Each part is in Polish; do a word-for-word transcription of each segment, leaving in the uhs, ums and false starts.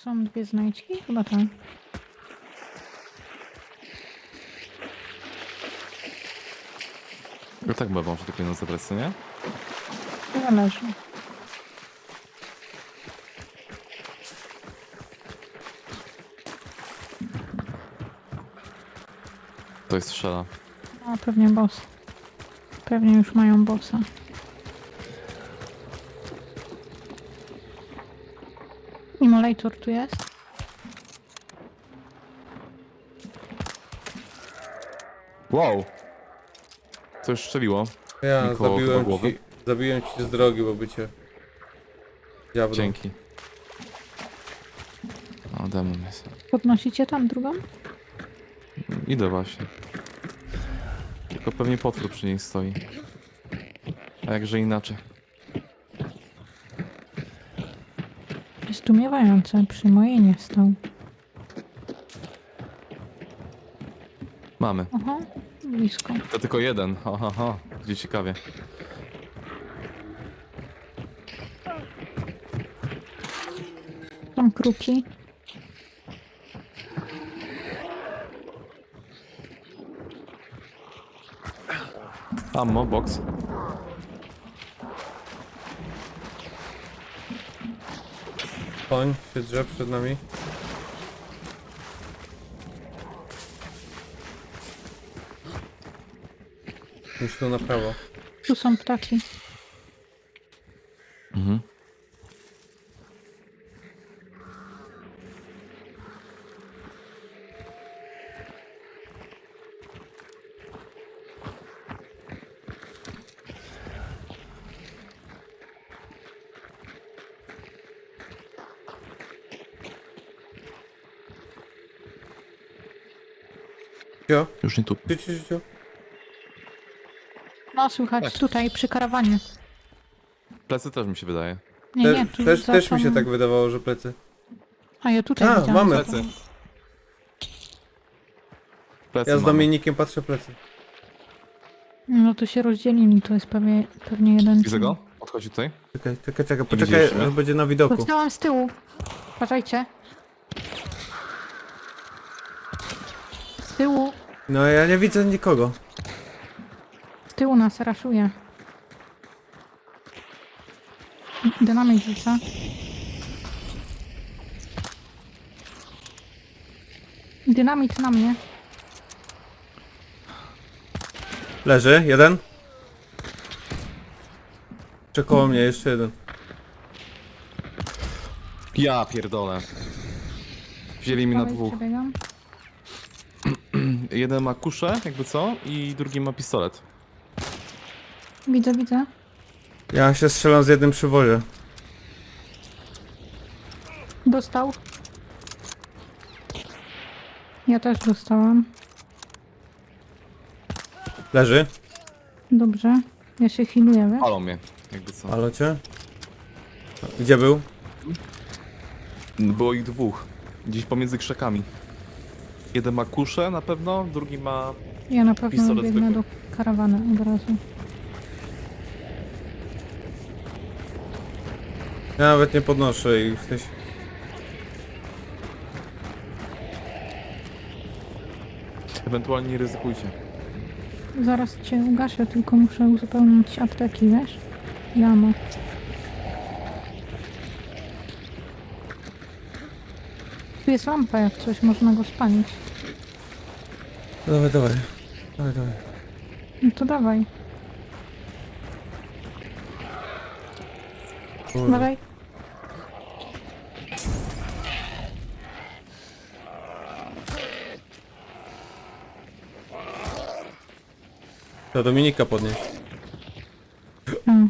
są dwie znajdźki? Chyba tak. No tak bywa, może tylko jedno zabrać, co nie? Zależy. To jest strzela. No pewnie boss. Pewnie już mają bossa. Immolator tu jest. Wow! Coś strzeliło. Ja Mi koło chyba zabiłem głowy. ci, zabiłem ci z drogi, bo by cię... Diablo. Dzięki. O, demon jest. Podnosicie tam drugą? Idę właśnie. Tylko pewnie potwór przy niej stoi. A jakże inaczej. Zdumiewające, przy mojej nie stał. Mamy. Aha, blisko. To tylko jeden. Ha, ha, ha. Gdzie ciekawie. Tam kruki. Ammo, box. Koń się drze przed nami. Już tu na prawo. Tu są ptaki. Mhm. Cio? Już nie tu. Cio, cio, cio. No słychać Tak. tutaj przy karawanie. Plecy też mi się wydaje. Nie, Te, nie, tu też, za też mi się tą- tak wydawało, że plecy. A ja tutaj A, widziałam. mamy. za Plecy. tą- Plecy Ja z mamy. Dominikiem patrzę plecy. No to się rozdzielili, to jest pewnie, pewnie jeden. Widzę go? Odchodzi tutaj. Czekaj, czekaj, czekaj, Nie poczekaj, widzieliście mnie? aż będzie na widoku. Dostałam z tyłu. Uważajcie. Z tyłu, No ja nie widzę nikogo. z tyłu nas raszuje. Dynamit rzuca. Dynamit na mnie. Leży, jeden. Jeszcze koło mnie, jeszcze jeden. Ja pierdolę. Wzięli mi na Prawej dwóch. przebiegam. Jeden ma kuszę, jakby co, i drugi ma pistolet. Widzę, widzę. Ja się strzelam z jednym przy wozie. Dostał. Ja też dostałam. Leży. Dobrze. Ja się healuję, wiesz? Palą mnie, jakby co. Halo cię? Gdzie był? Było ich dwóch. Gdzieś pomiędzy krzakami. Jeden ma kuszę na pewno, drugi ma... Ja na pewno Pistolet biegnę zwykły. do karawany od razu. Ja nawet nie podnoszę i w sensie... Ewentualnie nie ryzykujcie. Zaraz cię ugaszę, tylko muszę uzupełnić apteki, wiesz? Jamo. Tu jest lampa, jak coś, można go spalić. Dawaj, dawaj. Dawaj, dawaj. No to dawaj, Kurde. dawaj. To Dominika podnieść. A,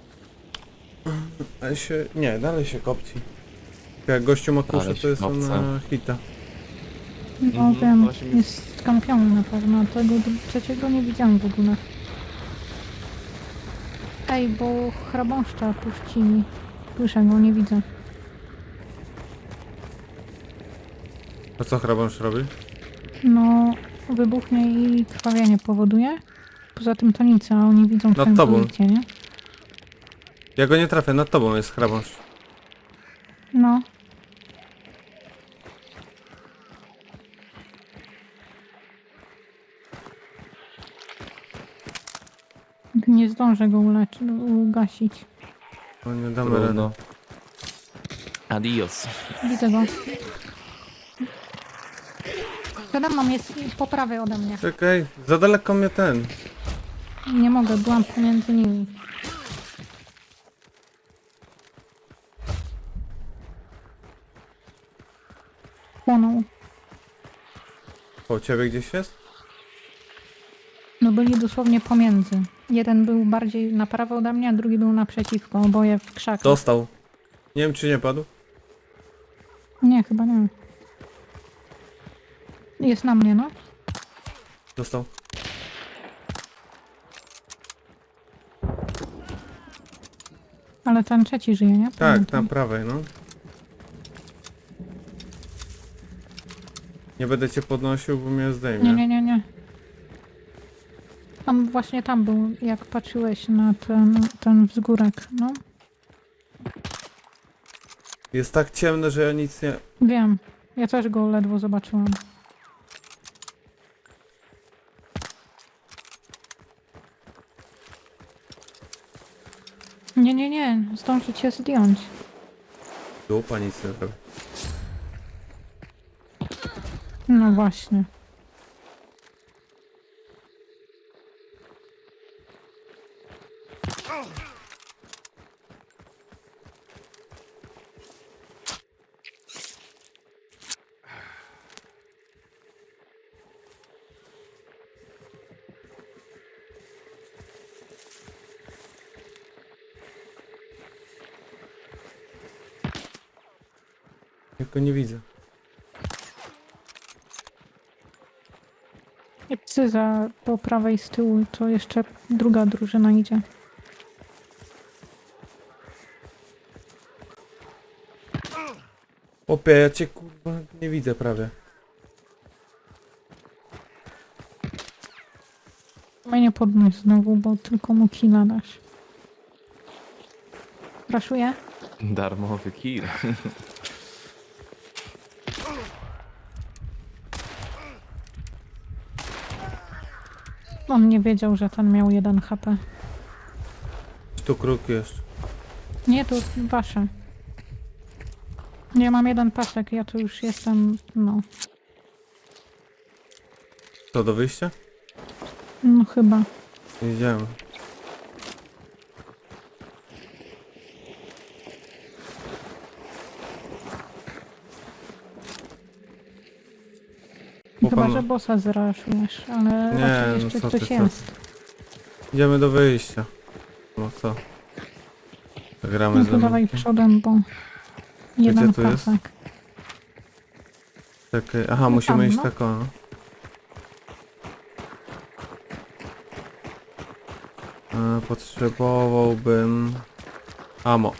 Ale się... Nie, dalej się kopci. Jak gościu ma kuszę, Ale to się jest on kopce. na hita. no Mhm, wiem, właśnie mi- jest skampiony na pewno, a tego dru- trzeciego nie widziałam w ogóle. Ej, bo chrabąszcza puścili. Słyszę go, nie widzę. A co hrabąż robi? No, wybuchnie i krwawienie powoduje. Poza tym to nic, a oni widzą twoją tobą. pozycję, nie? Ja go nie trafię, nad tobą jest hrabąż. No. zdążę go uleczyć, ugasić. No nie damy rady. Trudno. Adios. Widzę go. Przede mną jest po prawej ode mnie. Czekaj, za daleko mnie ten. Nie mogę, byłam pomiędzy nimi. Płonął. O, ciebie gdzieś jest? No byli dosłownie pomiędzy. Jeden był bardziej na prawo ode mnie, a drugi był naprzeciwko. Oboje w krzakach. Dostał. Nie wiem, czy nie padł. Nie, chyba nie. Jest na mnie, no. Dostał. Ale ten trzeci żyje, nie? Tak, Pamiętam. na prawej, no. Nie będę cię podnosił, bo mnie zdejmie. Nie, nie, nie, nie. On właśnie tam był, jak patrzyłeś na ten, ten wzgórek, no. Jest tak ciemno, że ja nic nie... Wiem. Ja też go ledwo zobaczyłam. Nie, nie, nie. Zdąży cię zdjąć. Dupa, nic nie robi. No właśnie. Ja go nie widzę. I psy za po prawej z tyłu, to jeszcze druga drużyna idzie. Opie, ja cię kurwa nie widzę prawie. Mnie nie podnoś znowu, bo tylko mu killa dasz. Raszuję? Darmowy kill. On nie wiedział, że ten miał jeden H P. Tu kruk jeszcze. Nie, to wasze. Nie, mam jeden pasek, ja tu już jestem, no, Co, do wyjścia? no chyba. Idziemy. Chyba, Chłopan- że bossa zraszujesz, ale Nie, raczej no jeszcze co ty, ktoś co ty. jest. Idziemy do wyjścia. No co? Gramy No z to dawaj Dominikiem. przodem, bo jeden tu jest? pasek. Czekaj, aha, No musimy tam, iść no. tak o. no. E, potrzebowałbym... Amo.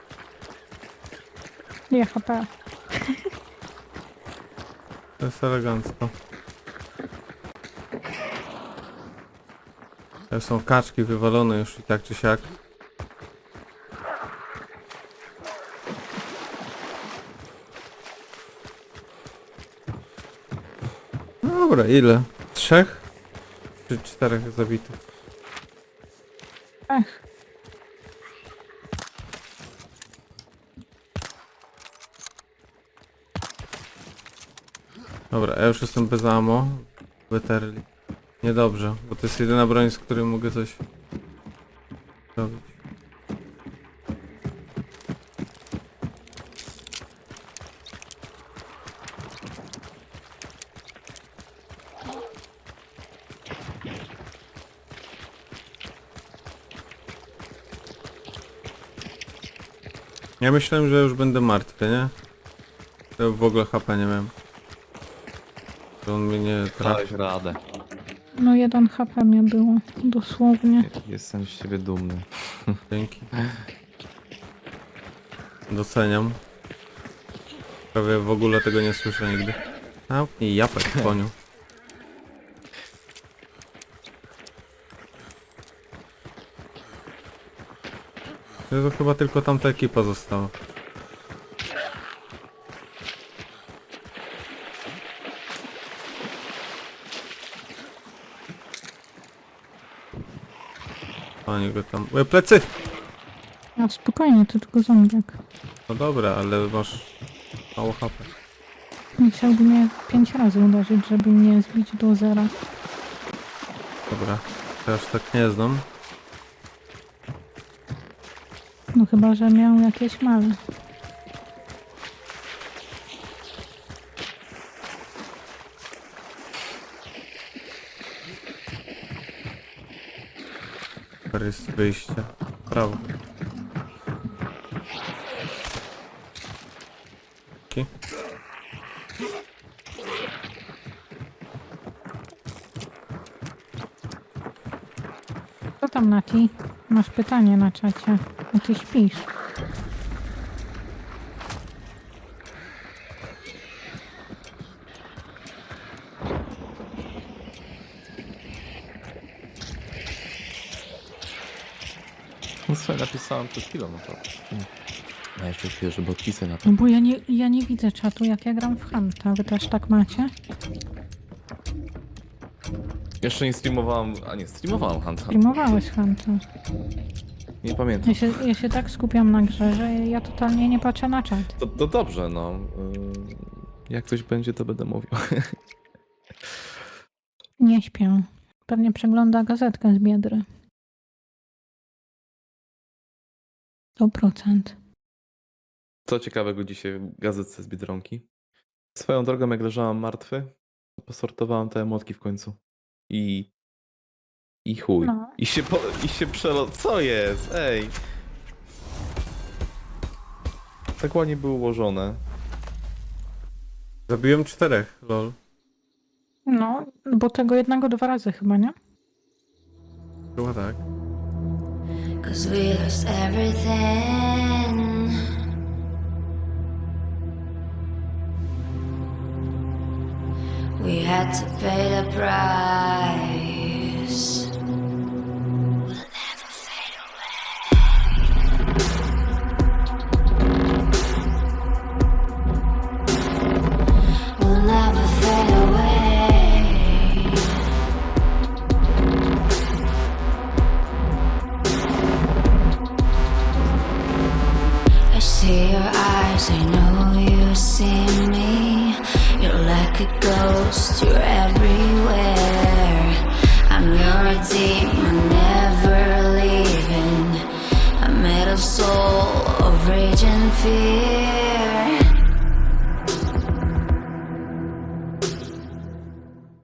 Nie H P. To jest elegancko. To są kaczki wywalone już i tak czy siak. Dobra, ile? Trzech? Czy czterech zabitych? Ech, Dobra, ja już jestem bez ammo. Weterli. Niedobrze, bo to jest jedyna broń, z której mogę coś robić. Ja myślałem, że już będę martwy, nie? To w ogóle H P nie miałem. To on mnie nie trafi. Dałeś radę. no jeden H P mnie było, dosłownie. Jestem z ciebie dumny. Dzięki. Doceniam. Prawie w ogóle tego nie słyszę nigdy. Zamknij japek, koniu. To chyba tylko tamta ekipa została. na niego tam. E, plecy! No spokojnie, to tylko zombiak. No dobra, ale masz mało H P. Musiałby mnie pięć razy uderzyć, żeby mnie zbić do zera. Dobra, teraz tak nie znam. No chyba, że miał jakieś male. Super jest wyjście. Prawo. Ki. Co tam, Nati? Masz pytanie na czacie. A ty śpisz. No sobie napisałem przed chwilą, no to... A jeszcze chwilę, żeby odpisy na to. No bo ja nie, ja nie widzę czatu, jak ja gram w Hanta. Wy też tak macie? Jeszcze nie streamowałem, a nie, streamowałem Hunta. Streamowałeś Hanta. Nie pamiętam. Ja się, ja się tak skupiam na grze, że ja totalnie nie patrzę na czat. To, to dobrze, no. Yy, Jak coś będzie, to będę mówił. Nie śpię. Pewnie przegląda gazetkę z Biedry. sto procent. Co ciekawego dzisiaj w gazetce z Biedronki? Swoją drogą, jak leżałem martwy, to posortowałem te emotki w końcu. I... I chuj. No. I się, po, i się przelo... Co jest? Ej! Tak ładnie były ułożone. Zabiłem czterech, lol. No, bo tego jednego dwa razy chyba, nie? Chyba tak. Cause we lost everything. We had to pay the price. We'll never fade away. We'll never fade away. I see your eyes, I know you see me. You're like a ghost, you're everywhere. I'm your demon, never leaving. I'm made of soul, of rage and fear.